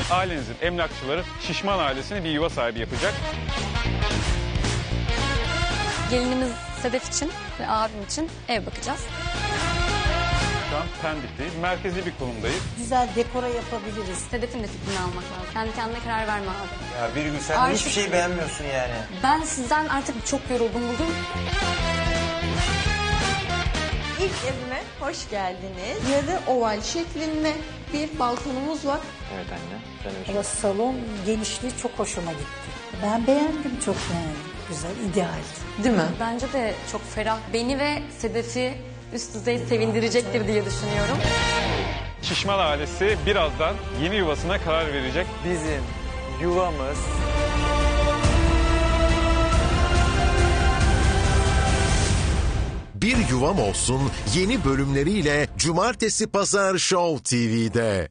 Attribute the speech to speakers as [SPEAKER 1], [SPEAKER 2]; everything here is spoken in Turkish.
[SPEAKER 1] ailenizin emlakçıları Şişman ailesini bir yuva sahibi yapacak.
[SPEAKER 2] Gelinimiz Sedef için ve abim için ev bakacağız.
[SPEAKER 1] Şu an Pendik'teyiz. Merkezi bir konumdayız.
[SPEAKER 3] Güzel dekora yapabiliriz.
[SPEAKER 2] Sedef'in de fikrini almak lazım. Kendi kendine karar verme abi.
[SPEAKER 4] Ya Birgül sen
[SPEAKER 2] Artık-
[SPEAKER 4] hiçbir şey beğenmiyorsun yani.
[SPEAKER 2] Ben sizden artık çok yoruldum bugün.
[SPEAKER 5] İlk evime hoş geldiniz. Yarı oval şeklinde bir balkonumuz var.
[SPEAKER 4] Evet anne. Sen öyle.
[SPEAKER 3] Ama salon genişliği çok hoşuma gitti. Ben beğendim, çok beğendim. Güzel, ideal.
[SPEAKER 5] Değil mi?
[SPEAKER 2] Bence de çok ferah. Beni ve Sedef'i üst düzey sevindirecektir diye düşünüyorum.
[SPEAKER 1] Şişman ailesi birazdan yeni yuvasına karar verecek.
[SPEAKER 4] Bizim yuvamız
[SPEAKER 6] Bir Yuvam Olsun yeni bölümleriyle Cumartesi Pazar Show TV'de.